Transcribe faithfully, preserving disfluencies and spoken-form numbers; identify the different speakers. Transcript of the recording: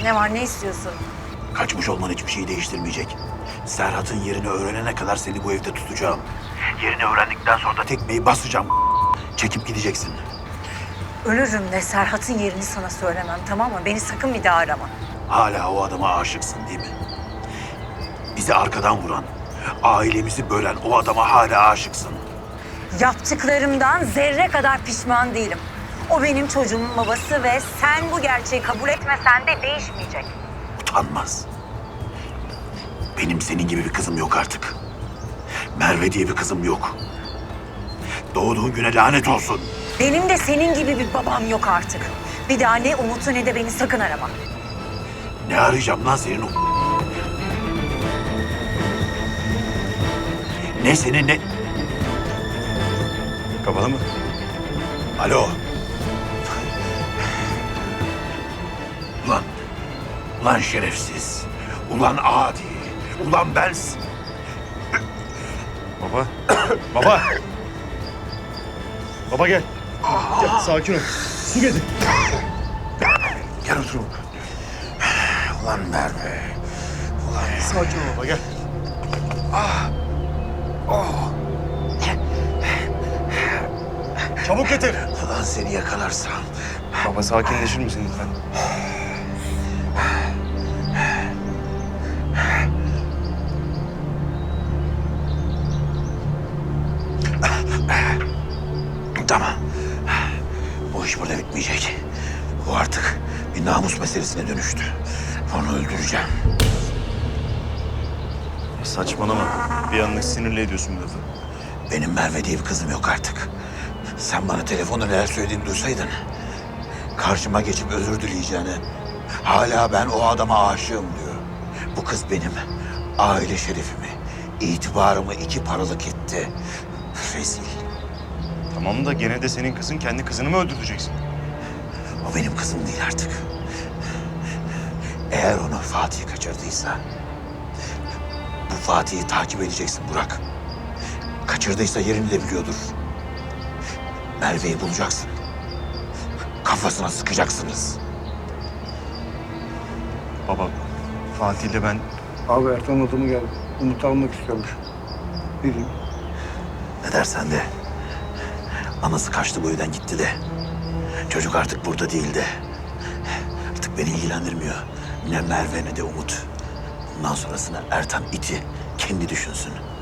Speaker 1: Ne var, ne istiyorsun?
Speaker 2: Kaçmış olman hiçbir şeyi değiştirmeyecek. Serhat'ın yerini öğrenene kadar seni bu evde tutacağım. Yerini öğrendikten sonra da tekmeyi basacağım. Çekip gideceksin.
Speaker 1: Ölürüm de Serhat'ın yerini sana söylemem, tamam mı? Beni sakın bir daha arama.
Speaker 2: Hala o adama aşıksın değil mi? Bizi arkadan vuran, ailemizi bölen o adama hala aşıksın.
Speaker 1: Yaptıklarımdan zerre kadar pişman değilim. O benim çocuğumun babası ve sen bu gerçeği kabul etmesen de değişmeyecek.
Speaker 2: Utanmaz. Benim senin gibi bir kızım yok artık. Merve diye bir kızım yok. Doğduğun güne lanet olsun.
Speaker 1: Benim de senin gibi bir babam yok artık. Bir daha ne Umut'u ne de beni sakın arama.
Speaker 2: Ne arayacağım lan senin o... Ne senin ne...
Speaker 3: Kapalı mı?
Speaker 2: Alo. Ulan, ulan şerefsiz. Ulan adi. Ulan ben...
Speaker 3: Baba. Baba. Baba gel. Gel sakin ol. Su getir.
Speaker 2: Gel otur. Ulan Merve. Ulan
Speaker 3: Sakin ol baba gel. Çabuk getir.
Speaker 2: ulan seni yakalarsam.
Speaker 3: Baba sakinleşir misin lütfen?
Speaker 2: Tamam. Bu iş burada bitmeyecek. Bu artık bir namus meselesine dönüştü. Onu öldüreceğim.
Speaker 3: Saçmalama. Bir anlık sinirli ediyorsun bu lafı.
Speaker 2: Benim Merve diye bir kızım yok artık. Sen bana telefonda neler söylediğini duysaydın... ...karşıma geçip özür dileyeceğini... ...hala ben o adama aşığım diyor. Bu kız benim aile şerefimi, itibarımı iki paralık etti. Rezil.
Speaker 3: Tamam da gene de senin kızın kendi kızını mı öldüreceksin?
Speaker 2: O benim kızım değil artık. Eğer onu Fatih kaçırdıysa... ...bu Fatih'i takip edeceksin Burak. Kaçırdıysa yerini de biliyordur. Merve'yi bulacaksın. Kafasına sıkacaksınız.
Speaker 3: Baba, Fatih'le ben...
Speaker 4: Abi Ertan adamı geldi. Umut'u almak istiyormuş. Ne diyeyim?
Speaker 2: Ne dersen de. Anası kaçtı bu evden gitti de. Çocuk artık burada değil de. Artık beni ilgilendirmiyor. Ne Merve ne de Umut. Bundan sonrasını Ertan iti kendi düşünsün.